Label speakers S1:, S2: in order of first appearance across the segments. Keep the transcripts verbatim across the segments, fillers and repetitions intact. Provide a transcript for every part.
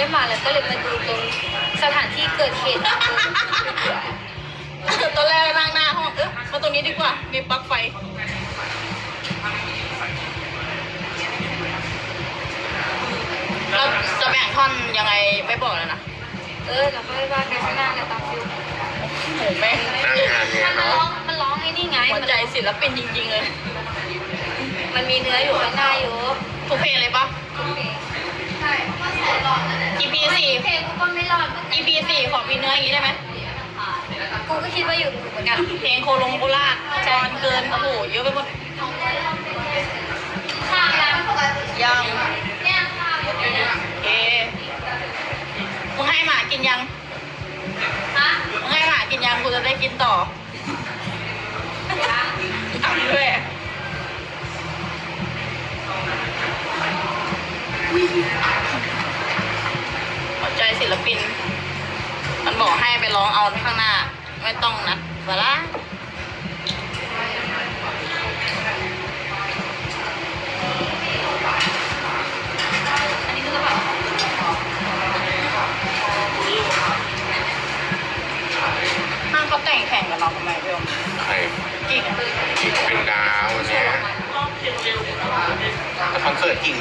S1: ได้มาแล้วก็เลยมาดูตรงสถานที่เกิดเหตุ
S2: ตอนแรกนั่งหน้าห้องเอ๊ะมาตรงนี้ดีกว่ามีปลั๊กไฟเราจะแบ่งท่อนยังไงไม่บอกแล้วนะ
S1: เออเราก็ไม่ว่ากันข้างหน้าเนี่ยตามฟิล
S2: โหแม่ง
S3: หน้างานเนี่ย
S1: มันร้อ
S3: เนาะ
S1: งมันร้องไอ้นี่ไง
S2: หัวใจศิลปินจริงๆเลย
S1: มันมีเนื้ออยู่ข้างหน้าอยู่
S2: ทุกเพลงเลยปะ
S1: ทุกเพลงใช่เพราะว่าหลอดนั่นแหละ
S2: อี พี สี่
S1: เพลงกูก็ไม่รอดเหมือนกัน
S2: อี พี สี่ขอมีเนื้ออย่างนี้ได้ไหม
S1: กูก็คิดว่าอยู่ถูกเหมือนกัน
S2: เพลงโคลงโคราชจอนเกินโอ้โหเยอะไปหมด
S1: ข้าวยัง
S2: ยัง
S1: เนี่ยข้าวอยู่เนี่ย
S2: เอมึงให้หมากินยัง
S1: ฮะ
S2: มึงให้หมากินยังกูจะได้กินต่อทำด้วยหัวใจศิลปิน มันบอกให้ไปร้องเอาข้างหน้า ไม่ต้องนะเวลา
S1: อันนี้คือกระเป๋า
S2: ห้างเขาแต่งแข่งกับเราทำไมพี่อม
S3: ใคร
S2: จริงอะ
S3: จิกเป็นดาวเนี่ยแต่คอนเสิร์ตจริง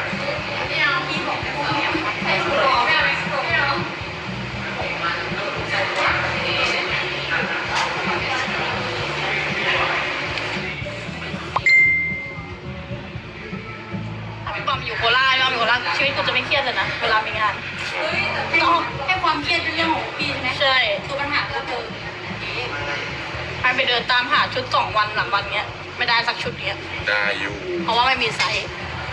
S2: ถ้าพี่บอมอยู่โคราชพี่บอมอยู่โคราชชีวิตกูจะไม่เครียดเลยนะเวลามีงาน
S1: ก็ให้ความเครียดเป็นเรื่องของพี่ใช่ไหม
S2: ใช่
S1: ตัวปัญหาก็คือ
S2: ให้ไปเดินตามหาชุดสองวันสามวันเงี้ย ไม่ได้สักชุดเงี้ย
S3: ได้อยู่
S2: เพราะว่าไม่มีไซส์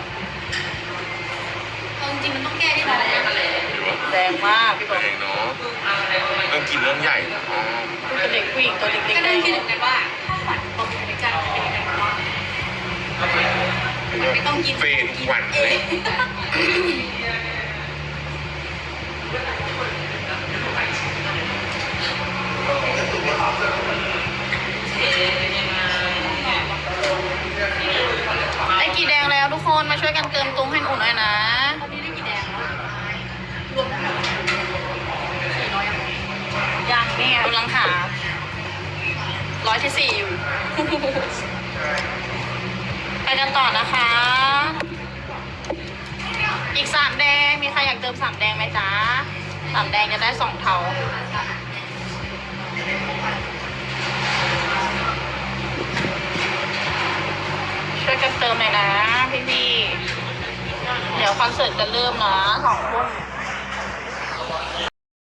S1: จริงๆมันต้องแก้ที่ไหน
S3: อยู่ว่า
S2: แรงมากพี่บอม
S3: เองเนาะเรื่องกินเรื่องใหญ่นะอ๋อ
S2: เป็นเด็กผู้หญิงตัวเล็ก
S1: ก็
S2: ๆ
S1: ได้คิดเหมือนกันว่าถ้าฝันตรงในใจมันเป็นยังไงบ้างไม่ต้องกิน
S3: เฟนทุกวัน
S1: เอ
S3: เลย
S1: ง
S2: ได้กี่แดงแล้วทุกคนมาช่วยกันเติมตุ้งให้หนูหน่อยนะ
S1: ตอนนี้ได้กี่แดงแล้วรวมทั้งหมดสี่ร้อยยัง
S2: ยังนี่ไงกำลังหาร้อยที่สี่อยู่ ไปกันต่อนะคะ อีกสามแดงมีใครอยากเติมสามแดงไหมจ๊ะสามแดงจะได้สองเทาช่วยกันเติมหน่อยนะพี่ๆเดี๋ยวคอนเสิร์ตจะเริ่มนะสองทุ่ม